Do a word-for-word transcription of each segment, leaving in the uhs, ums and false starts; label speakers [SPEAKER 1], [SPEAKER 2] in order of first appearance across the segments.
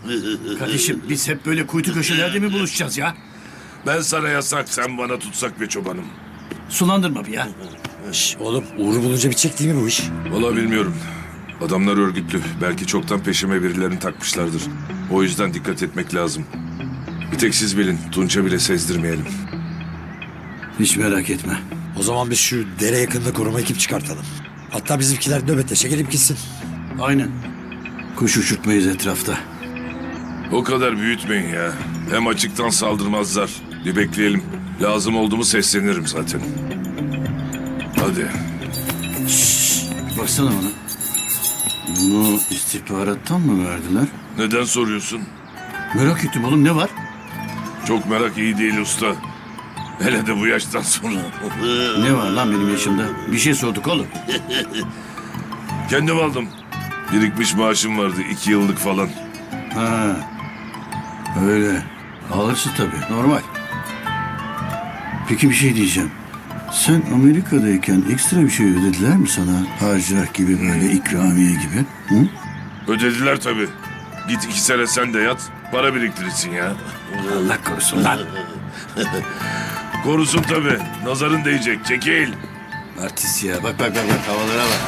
[SPEAKER 1] Kardeşim biz hep böyle kuytu köşelerde mi buluşacağız ya?
[SPEAKER 2] Ben sana yasak, sen bana tutsak be çobanım.
[SPEAKER 1] Sulandırma bir ya.
[SPEAKER 3] Şş, oğlum Uğur'u bulunca bitecek değil mi bu iş?
[SPEAKER 2] Vallahi bilmiyorum. Adamlar örgütlü. Belki çoktan peşime birilerini takmışlardır. O yüzden dikkat etmek lazım. Bir tek siz bilin. Tunç'a bile sezdirmeyelim.
[SPEAKER 1] Hiç merak etme.
[SPEAKER 3] O zaman biz şu dere yakınında koruma ekip çıkartalım. Hatta bizimkiler nöbetleşe gelip gitsin.
[SPEAKER 1] Aynen. Kuş uçurtmayız etrafta.
[SPEAKER 2] O kadar büyütmeyin ya. Hem açıktan saldırmazlar. Bir bekleyelim. Lazım oldu mu seslenirim zaten. Hadi.
[SPEAKER 1] Baksana bana. Bunu istihbarattan mı verdiler?
[SPEAKER 2] Neden soruyorsun?
[SPEAKER 1] Merak ettim oğlum, ne var?
[SPEAKER 2] Çok merak iyi değil usta. Hele de bu yaştan sonra.
[SPEAKER 1] Ne var lan benim yaşımda? Bir şey sorduk oğlum.
[SPEAKER 2] Kendim aldım. Birikmiş maaşım vardı iki yıllık falan.
[SPEAKER 1] Ha, öyle. Alırsın tabii, normal. Peki bir şey diyeceğim. Sen Amerika'dayken ekstra bir şey ödediler mi sana? Harcırah gibi, böyle ikramiye gibi. Hı?
[SPEAKER 2] Ödediler tabii. Git iki sene sen de yat. Para biriktirirsin ya.
[SPEAKER 1] Allah korusun lan.
[SPEAKER 2] Korusun tabii. Nazarın değecek. Çekil.
[SPEAKER 1] Artist ya. Bak bak bak, bak havalara bak.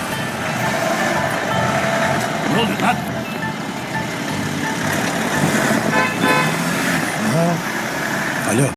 [SPEAKER 1] Ne oldu lan?
[SPEAKER 3] Alo.